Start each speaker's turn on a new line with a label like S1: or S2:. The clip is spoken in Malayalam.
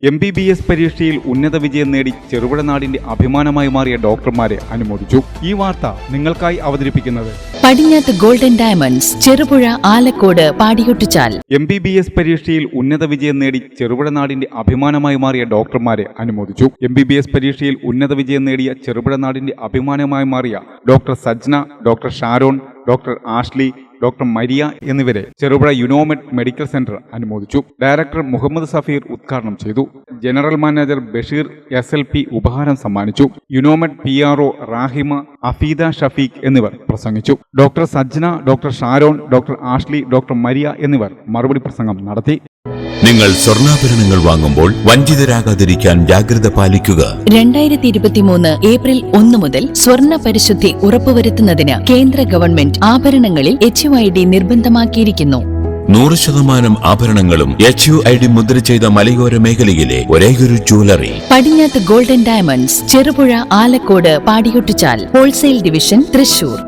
S1: MBBS പരീക്ഷയിൽ ഉന്നത വിജയം നേടി ചെറുപുഴ നാടിന്റെ അഭിമാനമായി മാറിയ ഡോക്ടർമാരെ അനുമോദിച്ചു. ഈ വാർത്ത നിങ്ങൾക്കായി അവതരിപ്പിക്കുന്നത്
S2: Padinjath golden diamonds, Cherupuzha, Alakode, Padiyottuchal.
S1: MBBS പരീക്ഷയിൽ ഉന്നത വിജയം നേടി ചെറുപുഴ നാടിന്റെ അഭിമാനമായി മാറിയ ഡോക്ടർമാരെ അനുമോദിച്ചു. MBBS പരീക്ഷയിൽ ഉന്നത വിജയം നേടിയ ചെറുപുഴ നാടിന്റെ അഭിമാനമായി മാറിയ doctor Sajna, doctor Sharon, doctor Ashley, doctor Maria എന്നിവരെ ചെറുപുഴ യുനോമെഡ് മെഡിക്കൽ സെന്റർ അനുമോദിച്ചു. ഡയറക്ടർ മുഹമ്മദ് സഫീർ ഉദ്ഘാടനം ചെയ്തു. ജനറൽ മാനേജർ ബഷീർ SLP ഉപഹാരം സമ്മാനിച്ചു. യുനോമെഡ് PRO റാഹിമ, അഫീദ ഷഫീഖ് എന്നിവർ പ്രസംഗിച്ചു. Doctor Sajna, doctor Sharon, doctor Ashley, doctor Maria എന്നിവർ മറുപടി പ്രസംഗം നടത്തി.
S3: നിങ്ങൾ സ്വർണ്ണാഭരണങ്ങൾ വാങ്ങുമ്പോൾ വഞ്ചിതരാകാതിരിക്കാൻ ജാഗ്രത പാലിക്കുക.
S2: 2023 ഏപ്രിൽ 1 മുതൽ സ്വർണ്ണ പരിശുദ്ധി ഉറപ്പുവരുത്തുന്നതിന് കേന്ദ്ര ഗവൺമെന്റ് ആഭരണങ്ങളിൽ HUID നിർബന്ധമാക്കിയിരിക്കുന്നു.
S3: 100% ആഭരണങ്ങളും HUID മുദ്ര ചെയ്ത മലയോര മേഖലയിലെ ഒരേയൊരു jewellery
S2: Padinjath golden diamonds, Cherupuzha, Alakode, Padiyottuchal. Wholesale division, Thrissur.